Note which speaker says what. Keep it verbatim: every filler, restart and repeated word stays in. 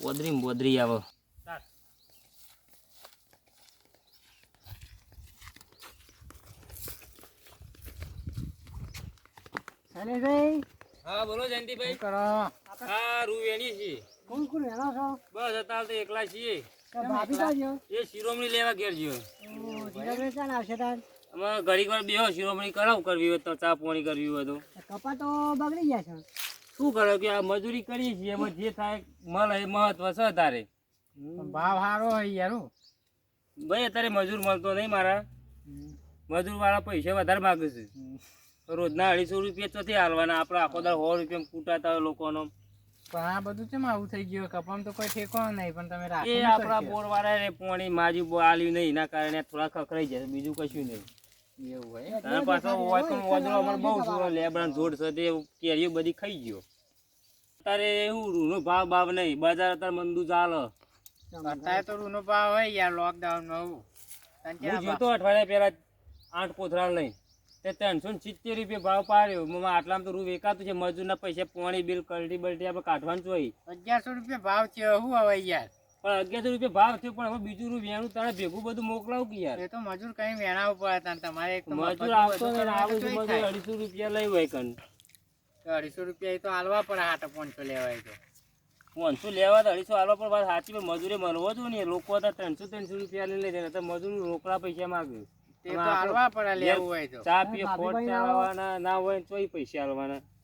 Speaker 1: બોદરી બોદરી આવો
Speaker 2: શૈલેષભાઈ
Speaker 1: હા બોલો જયંતિભાઈ
Speaker 2: કરો
Speaker 1: હા રૂ વેણી છે
Speaker 2: કોણ કોણ વેણો છો
Speaker 1: બસ અત્યારે તો એકલા છીએ
Speaker 2: ભાભી કાજો
Speaker 1: એ શિરોમણી લેવા ઘેર જ્યો
Speaker 2: ધીરજભાઈ ચાલ આવશે તાર
Speaker 1: અમારે ઘડીક વાર બેહો શિરોમણી કરાવું કરવી હોય તો ચા પાણી કરવી હોય તો
Speaker 2: કપા તો બગડી ગયા છે
Speaker 1: શું કરો કે આ મજૂરી કરીએ છીએ એમાં જે થાય મળે એ મહત્વ છે તારે
Speaker 2: ભાવ સારો હોય યાર
Speaker 1: ભાઈ અત્યારે મજૂર મળતો નહીં મારા મજૂર વાળા પૈસા વધારે માગે છે રોજના અઢીસો રૂપિયા ચોથી હાલવાના આપણે આખો દર સો રૂપિયા કૂટાતા હોય લોકોનો
Speaker 2: પણ આ બધું કેમ આવું થઈ ગયું કપામાં તો કોઈ ઠેકો નહીં પણ તમે રાખો
Speaker 1: એ આપણા બોર વાળા ને પોણી માજી બો આલ્યું નહીં એના કારણે થોડા ખખડાઈ જાય બીજું કશું નહીં
Speaker 2: એવું હોય
Speaker 1: અને પાછો હોય પણ વાદળો અમારે બહુ છે લેબડા જોડ છે તે કેરીઓ બધી ખાઈ ગયો અત્યારે એવું રૂનો ભાવ ભાવ નહીં બજાર અત્યારે મંદુ ચાલે
Speaker 2: અત્યારે તો રૂનો ભાવ હોય યાર લોકડાઉન માં
Speaker 1: હું જોતો અઠવાડિયા પહેલા આઠ કોથળા લઈ તે ત્રણસો ને સિત્તેર રૂપિયા ભાવ પાડ્યો મમ્મા આટલામાં તો રૂ વેકાતું છે મજૂરના પૈસા પાણી બિલ કલટી બલટી આપણે કાઢવાનું જોઈએ
Speaker 2: અગિયારસો રૂપિયા ભાવ છે શું હવે યાર
Speaker 1: પણ અગિયારસો રૂપિયા ભાવ થયો પણ હવે બીજું રૂ વેણું તારે ભેગું બધું મોકલાવું કે યાર
Speaker 2: એ તો મજૂર કઈ વેણાવું પડે તાન તમારે એક તો
Speaker 1: મજૂર આવતો ને આવે છે મજૂર અઢીસો રૂપિયા લઈ હોય કન
Speaker 2: અઢીસો રૂપિયા એ તો હાલવા પડે હાટો પાંચસો લેવાય તો
Speaker 1: પાંચસો લેવા તો અઢીસો હાલવા પણ વાત સાચી પણ મજૂરે મળવો જોઈએ ને લોકો હતા ત્રણસો ત્રણસો રૂપિયા લઈ લે તો મજૂર રોકડા પૈસા માગે
Speaker 2: તે તો હાલવા પડે લેવું હોય તો
Speaker 1: ચા પીએ ખોટ ચાલવાના ના હોય તોય પૈસા હાલવાના